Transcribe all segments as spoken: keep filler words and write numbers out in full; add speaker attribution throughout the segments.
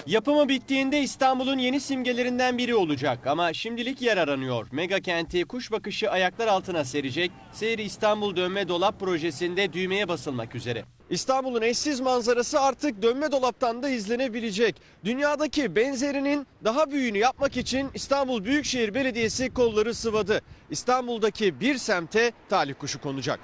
Speaker 1: Yapımı bittiğinde İstanbul'un yeni simgelerinden biri olacak ama şimdilik yer aranıyor. Mega kenti kuş bakışı ayaklar altına serecek, Seyri İstanbul Dönme Dolap projesinde düğmeye basılmak üzere. İstanbul'un eşsiz manzarası artık dönme dolaptan da izlenebilecek. Dünyadaki benzerinin daha büyüğünü yapmak için İstanbul Büyükşehir Belediyesi kolları sıvadı. İstanbul'daki bir semte talih kuşu konacak.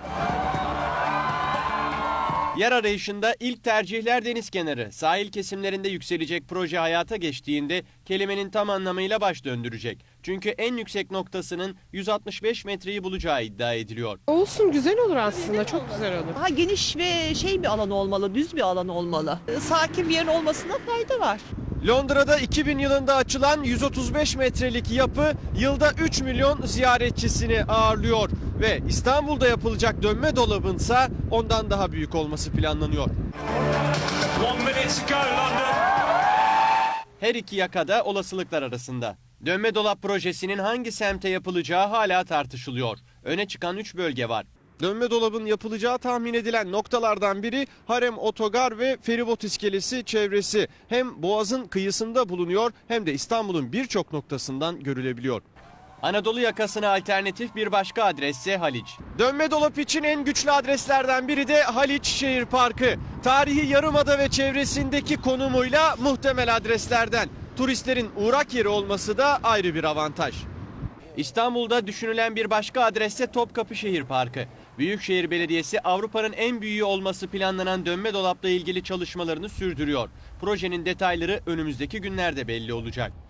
Speaker 1: Yer arayışında ilk tercihler deniz kenarı. Sahil kesimlerinde yükselecek proje hayata geçtiğinde kelimenin tam anlamıyla baş döndürecek. Çünkü en yüksek noktasının yüz altmış beş metreyi bulacağı iddia ediliyor.
Speaker 2: Olsun, güzel olur aslında, çok güzel olur.
Speaker 3: Daha geniş ve şey bir alan olmalı, düz bir alan olmalı. Sakin bir yerin olmasına fayda var.
Speaker 1: Londra'da iki bin yılında açılan yüz otuz beş metrelik yapı yılda üç milyon ziyaretçisini ağırlıyor. Ve İstanbul'da yapılacak dönme dolabınsa ondan daha büyük olması planlanıyor. Her iki yakada olasılıklar arasında. Dönme dolap projesinin hangi semte yapılacağı hala tartışılıyor. Öne çıkan üç bölge var. Dönme dolabın yapılacağı tahmin edilen noktalardan biri Harem Otogar ve Feribot İskelesi çevresi. Hem Boğaz'ın kıyısında bulunuyor hem de İstanbul'un birçok noktasından görülebiliyor. Anadolu yakasına alternatif bir başka adresse Haliç. Dönme dolap için en güçlü adreslerden biri de Haliç Şehir Parkı. Tarihi Yarımada ve çevresindeki konumuyla muhtemel adreslerden. Turistlerin uğrak yeri olması da ayrı bir avantaj. İstanbul'da düşünülen bir başka adresse Topkapı Şehir Parkı. Büyükşehir Belediyesi Avrupa'nın en büyüğü olması planlanan dönme dolapla ilgili çalışmalarını sürdürüyor. Projenin detayları önümüzdeki günlerde belli olacak.